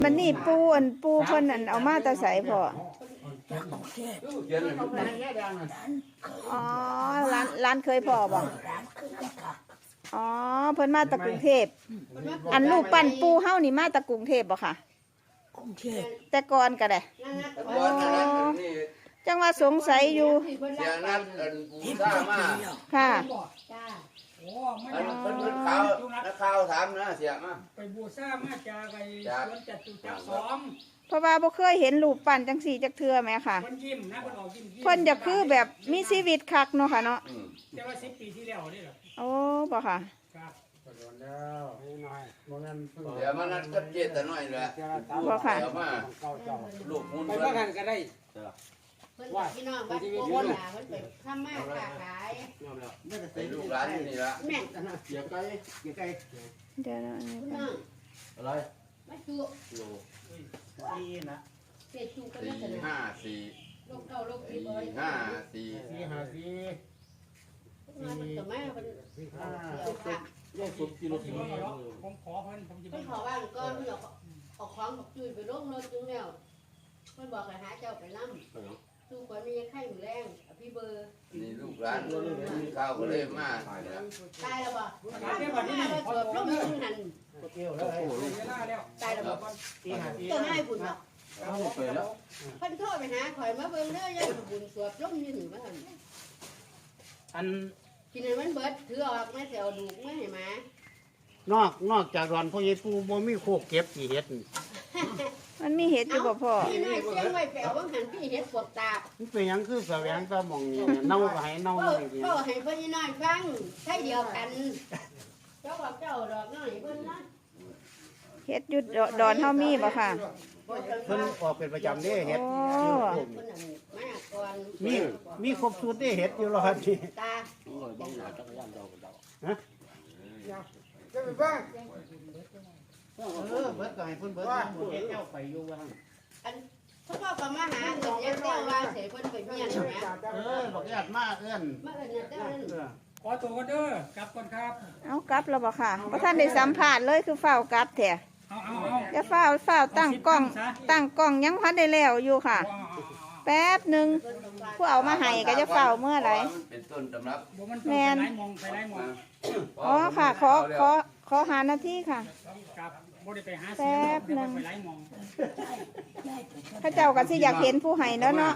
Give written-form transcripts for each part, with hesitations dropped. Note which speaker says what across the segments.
Speaker 1: มันนี่ปูเพิ่นอันเอามาแตะใส่พ่ออ๋อร้านเคยพ่อบ่อ๋อเพิ่นมาตะกรุงเทพอันลูกปั้นปูเฮานี่มาตะกรุงเทพบ่ค่ะกรุงเทพแต่ก่อนก็ได้จังว่าสงสัยอยู่
Speaker 2: เสียนัดบูซ่ามา
Speaker 1: ค่ะ
Speaker 2: อันเพิ่นข่าวนักข่าวถามนะเสียมา
Speaker 3: ไปบูซ่ามาจากไอ้สวนจตุจักร2
Speaker 1: เพราะว่าบ่เคยเห็นรูปปั้นจังสี่จักเทื่อแม่ค่ะ
Speaker 3: เพิ่นยิ้มนะเพิ่นออกยิ้ม
Speaker 1: เพิ่นจะคือแบบมีชีวิตคักเนาะค่ะเนาะ
Speaker 3: แต่ว่า10 ปีที่แล้วนี่เหรอ
Speaker 1: โอ้บ่ค่ะ
Speaker 3: ครับโดนแล้วนิดหน่อยบ่งั้น
Speaker 2: เดี๋ยวมันนัดกับเจตน้อยแหละ
Speaker 1: บ่ค่ะ
Speaker 2: เดี๋ยวมาลูกมุ่น
Speaker 3: ไปว่ากันก็ได้
Speaker 4: เพิ่นพี่น้องบ้านโป่งน่ะเพิ่นไปทำมาค้าขาย
Speaker 2: ไปลูกหลานนี่ละ
Speaker 4: แม่
Speaker 3: เกี่ยวไก่
Speaker 1: เดี๋ยวนะอันนี้
Speaker 4: พี่น้อง
Speaker 2: อะไร
Speaker 4: มาจุ
Speaker 2: โล
Speaker 3: นี่นะ
Speaker 4: เศษจุกัน
Speaker 2: 4
Speaker 4: นั่นน่ะ
Speaker 2: 5 4
Speaker 4: ลูกเก่าลูกที่บ่
Speaker 2: 4 5 4
Speaker 3: มา
Speaker 4: มันก็มาเพิ่น
Speaker 3: ได้สุดกิโลผมขอเพิ่นผมจะ
Speaker 4: เพิ่นขอว่างก่อนเพิ่นเอาของบักจุ้ยไปลงรถจุงแล้วเพิ่นบอกให้หาเจ้าไปนำสู้ก่อนมีไข่หมูแรงพี่เบอร์
Speaker 2: นี่ลูกหลานข้าวก็เลยมา
Speaker 4: ตายแล้วบ่ตายแล้วบ่นี่เปิดลงนึงหั่นตายแล้วบ่ตัวให้บุญเนาะเพิ่นโทรไปหาข่อยมาเบิ่งเด้อยายบุญสวดลงอยู่นี่ว่าหั่น
Speaker 3: อัน
Speaker 4: กินให้มันเบิดถือออกมาสิเอาดูกมาให้ม
Speaker 3: านอกจากดอนพ่อใหญ่ปู่บ่มีโคกเก็บสิเฮ็ด
Speaker 1: มันมีเห็ดอยู่บ่พ่อ
Speaker 4: พี่น้อยเสียงไว้แปลว่าหันพี่เห็ดปวกตา
Speaker 3: มันเป็นหยังคือแสวงตาหม่องนี่เน่าก็ให้เน่า
Speaker 4: จริงๆก็ให้พี่น้อยฟังใช่เดียวกันเจ้าบอกเจ้าดอกน้อยเพิ่นนะ
Speaker 1: เห็ดอยู่ดอนเฮามีบ่ค่ะ
Speaker 3: เพิ่นออกเป็นประจำเด้เฮ็ดมีครบสูตรได้เฮ็ดอยู่รอดนี่
Speaker 4: ตา
Speaker 3: ฮะจะไปบ้างเบิดก็ให้เพิ่นเบิดเฮ็ดแก้วไปอยู่ว่า
Speaker 4: อันเขาบอกก็มาหาเงินยังเจ้าว่าเสียเพิ่นไปเมียนแหม
Speaker 3: บอกญาติมาเอื้อน
Speaker 4: มาเอิ้นเจ้านั่น
Speaker 3: ขอตัวก่อนเด้อกลับก่อนครับ
Speaker 1: เอากลับแล้วบ่ค่ะบ่ทันได้สัมภาษณ์เลยคือเฝ้ากลับแท้อย่าเฝ้าตั้งกล้องยังพันได้แล้วอยู่ค่ะแป๊บนึงผู้เอามาให้ก็จะเฝ้าเมื่อไหร่
Speaker 2: เป็นต้นตำรับ
Speaker 1: แม่นอ๋อค่ะขอหานาทีค่ะแป๊บนึงพระเจ้าก็สิอยากเห็นผู้ให้แล้วเนาะ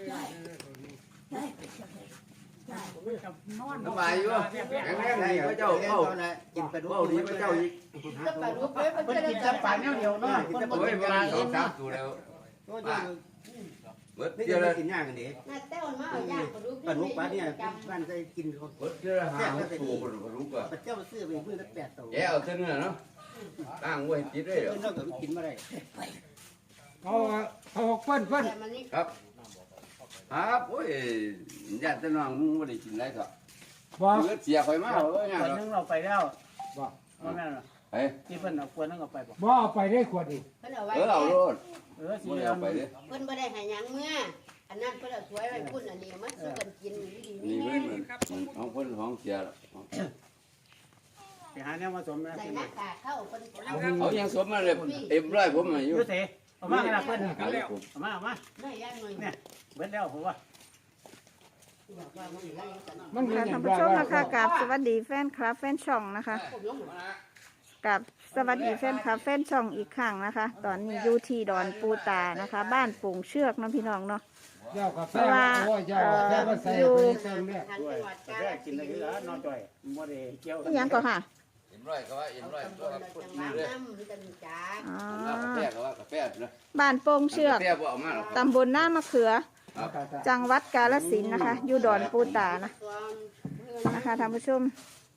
Speaker 2: น้ำลายอยู่แข็งแรงดีพระเจ้าเข้ากินปลาดุกดีพระเจ้าอีก
Speaker 4: ปลาดุกเพิ่น
Speaker 3: กินแต่ปลาเดียวเนาะ
Speaker 2: กินแต่ปลาเวลา2 3ตัวแล้วเบิดเดี๋ยวเรากินย่างกันดิ
Speaker 4: น่าแต้วมาเอาย่างปลาดุก
Speaker 3: ปลาเนี่ยบ้านใจกิน
Speaker 2: เบิดเดี๋ยวหาตัวปลาดุกอ่ะ
Speaker 3: เจ้าซื้อไปมื้อละ8ตัว
Speaker 2: แย่เอาเนื้อเนาะตั้งไว้ติดเลยเหรอ
Speaker 3: เพิ่นก็กินบ่ได้เขาเพิ่น
Speaker 2: ครับครับโอ้ยญาติน้องมึงไม่ได้กินไรก็เสียคอยมาเอ้ย
Speaker 3: คนนึงเราไปแล้วบ่ว่าแม่น
Speaker 2: ไป
Speaker 3: ที่เพิ่นเอาคนนึงเอาไปบ่
Speaker 5: บ่เอาไปได้ขวดอีก
Speaker 4: เพิ่นเอาไว้
Speaker 2: เอาโลด
Speaker 3: สิ
Speaker 2: เอาไปเด้
Speaker 4: เพิ่นบ่ได้ให้หยังเมื่ออันนั้นเพิ่นเอาสวยไว้พุ่นอันนี้มาสู้กันกินอยู่ดี
Speaker 2: นี่เพิ่นของเพิ่นของเสีย
Speaker 3: ไปหาแนวมาสมนะ
Speaker 4: ใส่หน้ากากเข้าเพิ่น
Speaker 2: เขายังสมมาเลยเต็มร้อยผมอยู่
Speaker 3: เสเอามาให้ล่ะเพิ่นเอามา
Speaker 4: ได้ย่างหน่อย
Speaker 3: เนี่ยเบิดแล้วผมว่า
Speaker 1: ค่ะท่านผู้ชมนะคะกับสวัสดีแฟนคลับแฟนช่องนะคะกับสวัสดีแฟนคลับแฟนช่องอีกครั้งนะคะ ตอนนี้อยู่ที่ดอนปูตานะคะบ้านปุ่งเชือกน้องพี่น้องเนาะเพราะว่าอยู่
Speaker 3: กินอะไรกันน้องจ่อยโมเดลเกี่ยว
Speaker 1: ยังก่อนค่ะบ้านโป่งเชือกตำบลหน้ามะเขือจังหวัดกาฬสินธุ์นะคะอยู่ดอนปูตานะคะท่านผู้ชม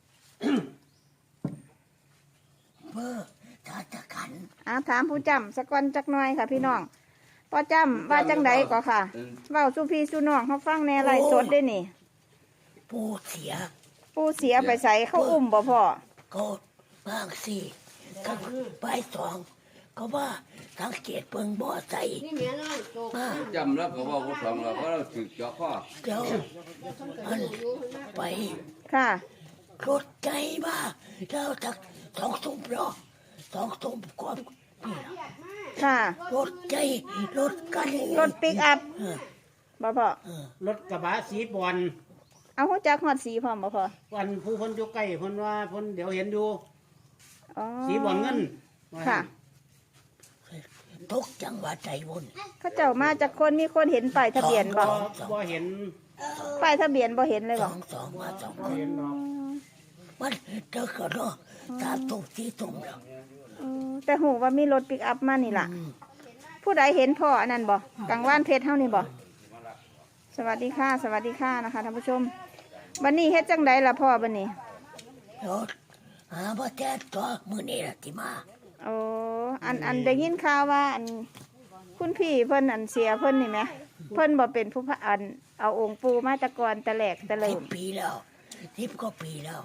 Speaker 1: ถามผู้จำสกอนจักหน่อยค่ะพี่น้องพอจำว่าจังใดก็ค่ะเว้าสุพี่สุน้องเขาฟังแน่ไรสดได้นี่
Speaker 6: ปูเสีย
Speaker 1: ไปใส่เขาอุ้มบ่พ่อ
Speaker 6: ก็บางสิก็ใบ2ก็ว่าสังเกตเบิ่งบ่ใส่
Speaker 2: จำแล้วก็ว่าผู้สองเราเพราะเราถือเจาะข้อ
Speaker 6: เดี๋ยวมันไป
Speaker 1: ค่ะ
Speaker 6: รถใจมาแล้วจาก2 ทุ่มเนาะ2 ทุ่มก่อนนี่
Speaker 1: ค่ะ
Speaker 6: รถใจรถกัน
Speaker 1: รถปิกอัพบ่พ่อ
Speaker 3: รถกระบะสีบอล
Speaker 1: เอาหัวจักฮอดสีพร้อมบ่พ่อ
Speaker 3: วันผู้คนอยู่ใกล้เพิ่นว่าเพิ่นเดี๋ยวเห็นอยู่
Speaker 1: อ๋อ
Speaker 3: สีบอลเงิน
Speaker 1: ค่ะ
Speaker 6: ตกจังหวัดใจวุ่น
Speaker 1: เขาเจ้ามาจากคนมีคนเห็นป้ายทะเบียนบ่
Speaker 3: บ่เห็น
Speaker 1: ป้ายทะเบียนบ่เห็นเลย
Speaker 6: ส
Speaker 1: บ่
Speaker 6: องมาสองค
Speaker 3: บ่
Speaker 6: น
Speaker 3: เห็นหรอก
Speaker 6: มันเจอกันเนาะตามตุ่มที่ตุ่มแล้ว
Speaker 1: แต่หูว่ามีรถปิกอัพมานี่ล่ะ ผู้ใดเห็นพ่ออันนั้นบ่กลางว่านเพชรเฮานี่บ่สวัสดีค่ะ สวัสดีค่ะนะคะท่านผู้ชมบัดนี้เฮ็ดจังไดล่ะพ่อบัดนี้
Speaker 6: รถหาบ่แท้ตัวมื้อนี้ล่ะที่มา
Speaker 1: โอ้อันได้ยินข่าวว่าอันคุณพี่เพิ่นอันเสียเพิ่นนี่ไหมเพิ่นบ่เป็นผู้พระอันเอาองค์ปู่มาแตะกอนแต่แหลกแต่เริ่ม
Speaker 6: 10 ปีแล้ว10 ก็ปีแล้ว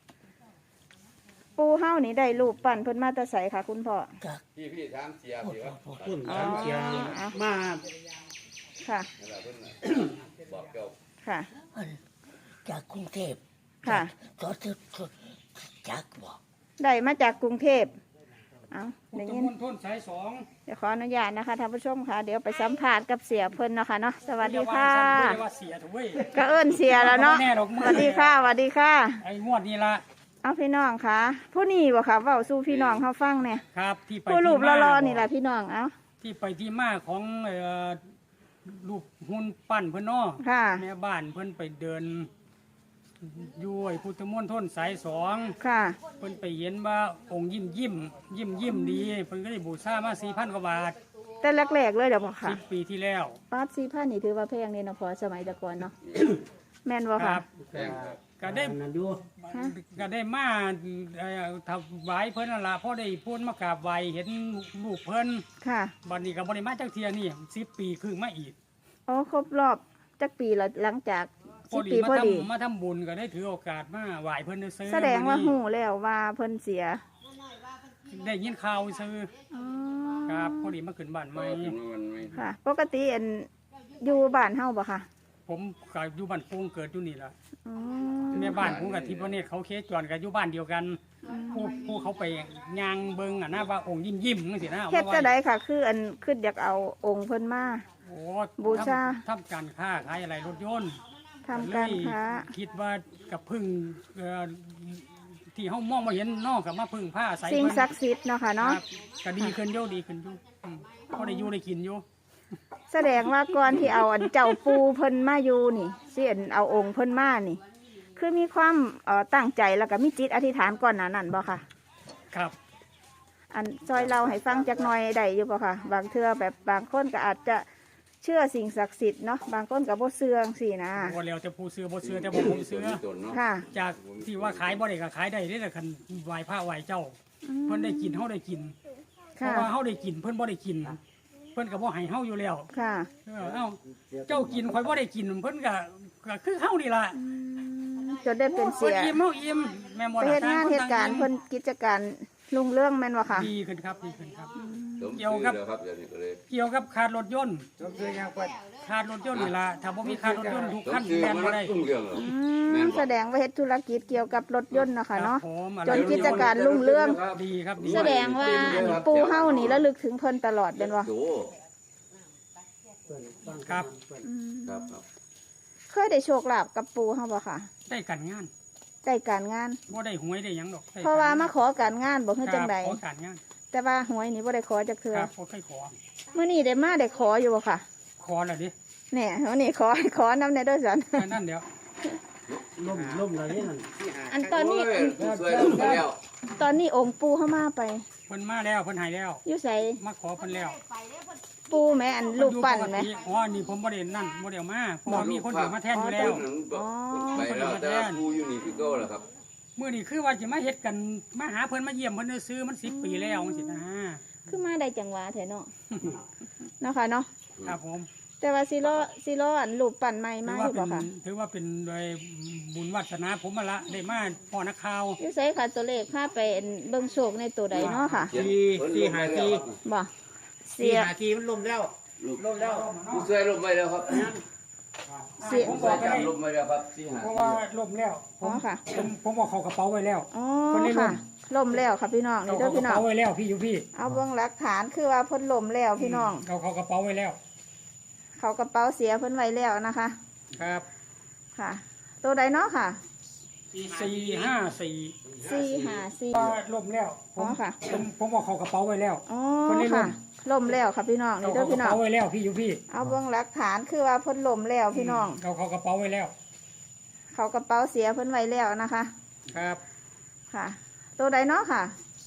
Speaker 1: ปู่เฮานี่ได้รูปปั้นเพิ่นมาแต่ไสค่ะ คุณพ่อ
Speaker 6: จาก
Speaker 2: พี่ถามเสียพี่ว่า
Speaker 3: คุณถามเสียมา
Speaker 1: ค่ะ
Speaker 2: นั่นแหละเพิ่นน่ะบอกเจ้า
Speaker 1: ค่ะ
Speaker 6: มันจากกรุงเทพ
Speaker 1: ค่ะ
Speaker 6: ตอนที่จากบอก
Speaker 1: ได้มาจากกรุงเทพเอาได้ยิน
Speaker 5: มณฑลสายสอง
Speaker 1: เดี๋ยวขออนุญาตนะคะท่านผู้ชมค่ะ เดี๋ยวไปสัมภาษณ์กับเสียเพิ่นเนาะค่ะเนาะสวัสดีค่ะ
Speaker 5: ไม่ได้ว่าเสียถูกเว้ย
Speaker 1: ก็เอิ้นเสียแล้วเนาะ
Speaker 5: บ่แน่หรอก
Speaker 1: สวัสดีค่ะสวัสดีค่ะ
Speaker 5: ไอ้งวดนี้ละ
Speaker 1: เอาพี่น้องค่ะ ผู้นี้บ่ค่ะเว้าสู่พี่น้องเฮาฟังเนี่ย
Speaker 5: ครับที่ไป
Speaker 1: ผู้รูป
Speaker 5: ที่มาร
Speaker 1: อๆนี่ล่ะพี่น้องเอา
Speaker 5: ที่ไปที่มาของรูปหุ่นปั้นเพิ่นเนาะ
Speaker 1: ค่ะ
Speaker 5: แม่บ้านเพิ่นไปเดินอยู่ไอ้พุทธมณฑลสายสอง
Speaker 1: ค่ะ
Speaker 5: เพิ่นไปเห็นว่าองค์ยิ้มดีเพิ่นก็ได้บูชามา 4,000 กว่าบาท
Speaker 1: แต่แรกๆเลยเดี๋ยวบอกค่ะ
Speaker 5: 10 ปีที่แล้ว
Speaker 1: ปาด4,000นี่ถือว่าแพงนี่เนาะพอสมัยแตะก่อนเนาะ แม่นบ่
Speaker 5: ค
Speaker 1: ค่ะ
Speaker 5: รับก็ได้
Speaker 3: นั่นอยู่
Speaker 1: ฮะ
Speaker 5: ก็ได้มาถวายเพิ่นนั่นล่ะพอได้พูนมากราบไหว้เห็นรูปเพิ่น
Speaker 1: ค่ะ
Speaker 5: บัดนี้ก็บ่ได้มาจักเที่ยนี่10 ปีครึ่งมาอีก
Speaker 1: อ๋อครบรอบจักปีแล้วหลังจาก
Speaker 5: พอ
Speaker 1: 10
Speaker 5: ดี
Speaker 1: ปีพอดี
Speaker 5: มาทำบุญก็ได้ถือโอกาสมาไหว้เพิ่นซื้อ
Speaker 1: แสดงว่าหูแล้วว่าเพิ่นเสีย
Speaker 5: ได้ยินข่าวซื้อ
Speaker 1: อ๋อ
Speaker 5: ครับพอดีมาขึ้นบ้านใหม่
Speaker 2: มันไม่
Speaker 1: ค่ะ ปกติอันอยู่บ้านเฮาบ่ค่ะ
Speaker 5: ผมก็อยู่บ้านปงเกิดอยู่นี่ล่ะ
Speaker 1: อ๋อ
Speaker 5: แม่บ้านผมกับทิพย์เนตรเขาเคสจรก็อยู่บ้านเดียวกันผู้เขาไปย่างเบิ่งอ่ะนะว่าองค์ยิ้มจังซี่นะ
Speaker 1: เฮ็ด
Speaker 5: ว่า
Speaker 1: จะได้ค่ะ คืออันคืออยากเอาองค์เพิ่นมา
Speaker 5: โอ้
Speaker 1: บูชา
Speaker 5: ทำการค้าขายอะไรรถยนต์
Speaker 1: ทำการค้า
Speaker 5: เลยคิดว่ากับพึ่งที่เฮามองบ่เห็นนอกกับมาพึ่งผ้าใส่
Speaker 1: สิ่ง
Speaker 5: เพิ่น
Speaker 1: ศักดิ์สิทธิ์เนาะค่ะ
Speaker 5: ค
Speaker 1: เนาะ
Speaker 5: รับก็ดีขึ้นอยู่ดีขึ้นอยู่พอได้อยู่ได้กินอยู่
Speaker 1: แสดงว่าก่อนที่เอาอันเจ้าปูเพิ่นมาอยู่นี่สิอันเอาองค์เพิ่นมานี่ คือมีความตั้งใจแล้วก็มีจิตอธิษฐานก่อนหน้านั้นบ่ค่ะ
Speaker 5: ครับ
Speaker 1: อันซอยเราให้ฟังจักหน่อยได้อยู่บ่ค่ะ บางเทื่อแบบบางคนก็อาจจะเชื่อสิ่งศักดิ์สิทธิ์เนาะบางคนก็บ่เชื่อสินะ
Speaker 5: ว่าแล้วแต่ผู้ซื้อบ่ซื้อแต่บ่ผมซื้อ
Speaker 2: ตนเนาะ
Speaker 1: ค่ะ
Speaker 5: จากที่ว่าขายบ่ได้ก็ขายได้เด้แต่คันไหว้พระไหว้เจ้า เพิ่นได้กินเฮาได้กินเพ
Speaker 1: ค่ะ
Speaker 5: ราะว่าเฮาได้กินเพิ่นบ่ได้กิน เพิ่นก็บ่ให้เฮาอยู่แล้ว
Speaker 1: ค่ะ
Speaker 5: เอ้าเจ้ากินข่อยบ่ได้กินเพิ่นก็คือเฮานี่ล่ะ
Speaker 1: จนได้เป็นเสี
Speaker 5: เพิ่น
Speaker 1: ย
Speaker 5: อิ่มเฮาอิ่มแม่นบ่
Speaker 1: ไป
Speaker 5: ล่ะ
Speaker 1: เฮ็ดงานเหตุการณ์เพิ่นกิจการรุ่งเรื่องแม่นบ่ค่ะ
Speaker 5: ดีขึ้นครับดีขึ้นครับ
Speaker 2: สม
Speaker 5: เกี่ยว
Speaker 2: ชื่อ
Speaker 5: กับ
Speaker 2: แล้วครับเดี๋ยวนี้ก็เลย
Speaker 5: เกี่ยวกับขาดรถยนต์ขาดรถยนต์นี่ล่ะถ้าบ่มีขาดรถยนต์ทุก
Speaker 2: ส
Speaker 5: คั
Speaker 2: ม
Speaker 5: น
Speaker 2: ชื่อ
Speaker 5: แล่น
Speaker 2: มัน
Speaker 5: บ่ได้
Speaker 2: ตุ้งเรื่องเหรอ
Speaker 1: อืมแสดงว่าเฮ็ดธุรกิจเกี่ยวกับรถยนต์เนาะค่ะเนาะ
Speaker 5: ครับผม
Speaker 1: จนกิจการรุ่งเรื่อง
Speaker 5: ดีครับดี
Speaker 1: แสดงว่าอันปูเฮานี่ระลึกถึงเพิ่นตลอดเป็นบ่
Speaker 2: โอ้
Speaker 5: ครับ
Speaker 1: อืม
Speaker 2: ครับครับ
Speaker 1: เคยได้โชคลาภกับปูเฮาบ่ค่ะ
Speaker 5: ได้การงาน
Speaker 1: ได้การงาน
Speaker 5: บ่ได้หวยได้หยังดอกได้
Speaker 1: เพราะว่ามาขอการงานบ่คือจังใด
Speaker 5: ครับขอการงาน
Speaker 1: แต่ว่าหวยนี่บ่ได้ขอจักเทื่อ
Speaker 5: ครับบ่เคยขอ
Speaker 1: มื้อนี้ได้มาได้ขออยู่บ่ค่ะ
Speaker 5: ขอแล้วดิ
Speaker 1: แหน่มื้อนี้ขอนำในเด้อสัน
Speaker 5: แค่นั้นเดียว
Speaker 3: ล่มอะไรนี่นั่น
Speaker 1: อันตอนนี้
Speaker 2: โยสวยลงไปแล้ว
Speaker 1: ตอนนี้องค์ปูเฮามาไป
Speaker 5: เพิ่นมาแล้วเพิ่นให้แล้ว
Speaker 1: อยู่ไส
Speaker 5: มาขอเพิ่นแล้ว
Speaker 1: ปูแม่อันรูปปั้นแม่
Speaker 5: อ๋อนี่ผมบ่ได้นั่นบ่ได้เอามาเพราะว่ามีคนอยู่มาแทนอยู่แล้ว
Speaker 2: ไปแล้วแต่ว่ากูอยู่นี่คือเก่าแล้วครับ
Speaker 5: มื้อนี้คือว่าสิมาเฮ็ดกันมาหาเพิ่นมาเยี่ยมเพิ่นซื้อมัน10 ปีแล้วจังซี่นะ
Speaker 1: คือมาได้จังหวะแท้เนาะ เนาะค่ะเนาะ
Speaker 5: ครับผม
Speaker 1: แต่ว่าสิรออันรูปปั้นใหม่มาอยู่บ่ค่ะ
Speaker 5: ถือว่าเป็นโดยบุญวาสนาผมมาละได้มาพ่อนักข่าว
Speaker 1: อยู่ไสค่ะตัวเลขพาไปเบิ่งโชคในตัวใดเนาะค่ะ
Speaker 3: ที่หาที่
Speaker 1: บ่
Speaker 3: ที่
Speaker 1: เสีย
Speaker 3: หาที่มันล่มแล้ว
Speaker 2: ลมแล้วกูสวยลมไปแล้วครับ
Speaker 1: เสีย
Speaker 5: ผมบอกไปได้
Speaker 2: ลมไปแล้วครับที่หา
Speaker 5: เพราะว่าล่มแล้ว
Speaker 1: อ๋อค่ะ
Speaker 5: ผมบอกเขากระเป๋าไว้แล้ว
Speaker 1: อ๋อ
Speaker 5: คนได้ร่
Speaker 1: ค่ะ
Speaker 5: ม
Speaker 1: ล่มแล้วค่ะพี่น้อง
Speaker 5: เอา
Speaker 1: นี่เด้
Speaker 5: เขา
Speaker 1: อก
Speaker 5: ระ
Speaker 1: พี่น้อง
Speaker 5: เป๋าไว้แล้วพี่อยู่พี่
Speaker 1: เอาเบื้องหลักฐานคือว่าเพิ่นล่มแล้วพี่น้อง
Speaker 5: เอาเขากระเป๋าไว้แล้ว
Speaker 1: เขากระเป๋าเสียเพิ่นไว้แล้วนะคะ
Speaker 5: ครับ
Speaker 1: ค่ะ ตัวใดเนาะค่ะ
Speaker 5: 454
Speaker 1: 454
Speaker 5: ก็ล่มแล้วผ
Speaker 1: อ๋อ
Speaker 5: ม
Speaker 1: ค่ะ
Speaker 5: ผมบอกเขากระเป๋าไว้แล้ว
Speaker 1: อ๋อ
Speaker 5: เพิ่นได้ล่
Speaker 1: ค่ะ
Speaker 5: ม
Speaker 1: ล่มแล้วค่ะพี่น้อง
Speaker 5: เอา
Speaker 1: นี่เด้
Speaker 5: เขา
Speaker 1: อก
Speaker 5: ระ
Speaker 1: พี่น้อง
Speaker 5: เป๋าไว้แล้วพี่อยู่พี่
Speaker 1: เอาเบื้องหลักฐานคือว่าเพิ่นล่มแล้วพี่น้อง
Speaker 5: เอาเขากระเป๋าไว้แล้ว
Speaker 1: เขากระเป๋าเสียเพิ่นไว้แล้วนะคะ
Speaker 5: ครับ
Speaker 1: ค่ะ ตัวใดเนาะค่ะ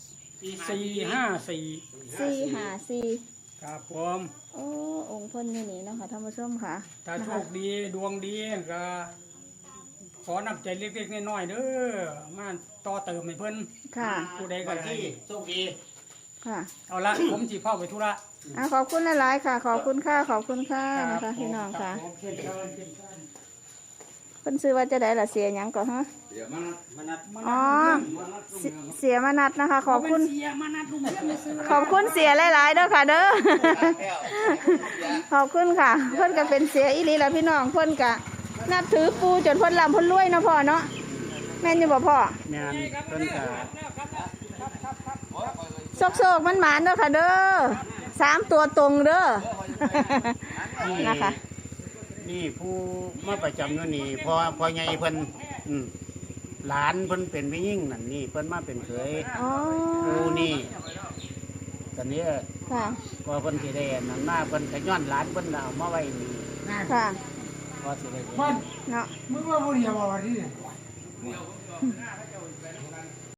Speaker 5: 454
Speaker 1: 454
Speaker 5: ครับผม
Speaker 1: โอ้องค์เพิ่นนี่นี่เนาะค่ะท่านผู้ชมค่ะ
Speaker 5: ถ้า
Speaker 1: นะ
Speaker 5: โช
Speaker 1: คะ
Speaker 5: คดีดวงดีก็ขอนับใจเล็กๆน้อยๆเด้อมาต่อเติมให้เพิ่น
Speaker 1: ค่ะ
Speaker 5: ผู้ใดก็
Speaker 3: วัน
Speaker 5: ได้
Speaker 3: ที่โชคดี
Speaker 1: ค่ะ
Speaker 5: เอาละผมสิเข้าไปธุระ
Speaker 1: ขอบคุณหลายๆค่ะ ขอบคุณค่ะขอบคุณค่ะนะคะพี่น้องค่ะ
Speaker 5: ผมเชิญเชิญเชิญเชิญ
Speaker 1: เพิ่นซื้อว่าจะได้ละเสียหยังก่อนฮะ
Speaker 2: เดี๋ยวมัน
Speaker 3: มานัด
Speaker 1: อ๋อเสียมานัดนะคะ ขอบคุณ
Speaker 5: เสียมานัดลุงเพื่อนมาซื้อ
Speaker 1: ขอบคุณเสียหลายๆเด้อค่ะเด้อ ขอบคุณค่ะ เพิ่นก็เป็นเสียอีหลีแล้วพี่น้องเพิ่นก็นับถือปูจนเพิ่นลำเพิ่นรวยเนาะพ่อเนาะแม่นอยู่บ่พ่อ
Speaker 3: แม่นเพิ่นก็
Speaker 1: โซกๆมันหมานเด้อค่ะเด้อ3 ตัวตรงเด้อ นะคะ
Speaker 3: นี่ผู้มาประจำอยู่นี่พอใหญ่เพิ่นหลานเพิ่นเป็นผู้หญิงนั่นนี่เพิ่นมาเป็นเขย
Speaker 1: อ๋อ
Speaker 3: ผู้นี่ตอนนี้
Speaker 1: ค่ะ
Speaker 3: พอเพิ่นสิได้อันนั่นมาเพิ่นก็ย้อนหลานเพิ่นเอามาไว้นี่
Speaker 1: ค่ะ
Speaker 3: พอสิได้
Speaker 5: มัน
Speaker 1: เนาะ
Speaker 5: มึงว่าบ่เดียวบ่ว่าที่นี่